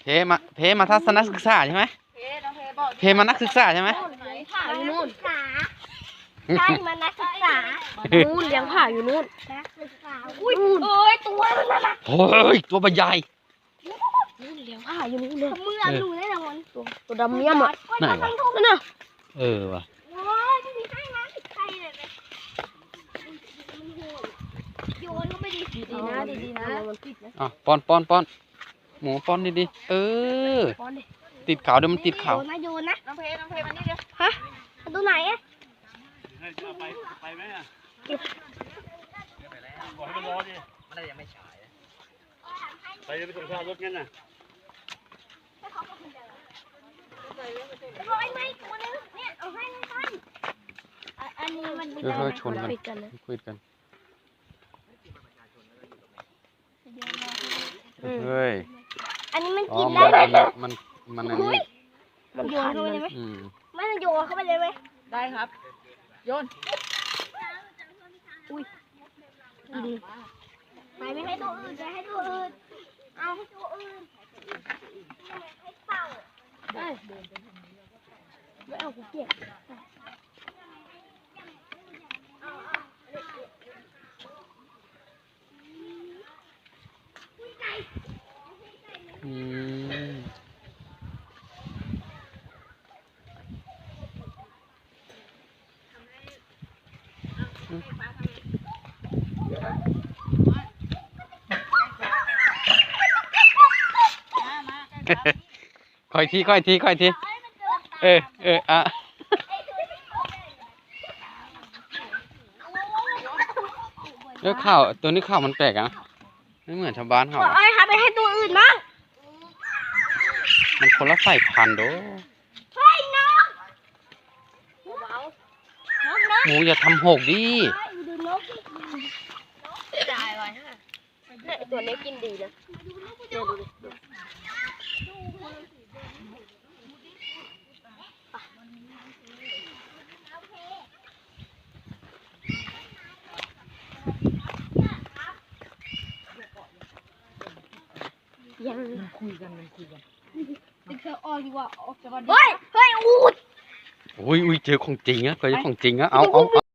เพมาทัศนศึกษาใช่ไหมเพมานักศึกษาใช่ไหมผ่าอยู่นู่นใช่มานักศึกษานู่นเลี้ยงผ่าอยู่นู่นนักศึกษาอุ้ยตัวมันน่ะโอ้ยตัวใหญ่นู่นเลี้ยงผ่าอยู่นู่นเลยมือหนูได้ละมันตัวดำเมี่ยมอ่ะไหนวะนั่นน่ะว่ะโยนก็ไม่ดีนะดีๆนะมันติดนะป้อนหมูป้อนดีติดขาวเดี๋ยวมันติดขาวโยนนะน้องเพมานี่เดี๋ยวฮะตัวไหนอ่ะไปไหมอ่ะบอกให้มันรอดิมันได้ยังไม่ฉายไปจะไปส่งข้าวรถงั้นน่ะเอาไอ้ไม้ตัวนึงเนี่ยเอาให้มันอันนี้มันค่อยๆชนกันคุยกันเฮ้ยอันนี้มันกินได้ไหมมันอันนี้มันโยนเข้าไปเลยไหมไม่โยนเข้าไปเลยไหมได้ครับโยนอุ้ยไปไม่ให้ตัวอื่นไปให้ตัวอื่นเอาให้ตัวอื่นให้เต่าไม่เอากูเกลียดค่อยทีอ่ะข้าวตัวนี้ข้าวมันแปลกอ่ะไม่เหมือนชาวบ้านเขาไอ้ค่ะไปให้ตัวอื่นมั้งมันคนละสายพันธุ์โดเฮ้ยน้องหมูอย่าทำหกดิจ่ายไว้ฮะตัวนี้กินดีนะดูยังคุยกันเธอออกดีกว่าออกจากบ้านเฮ้ยอูดอุ้ยเจอของจริงอะเคยเจอของจริงอะเอา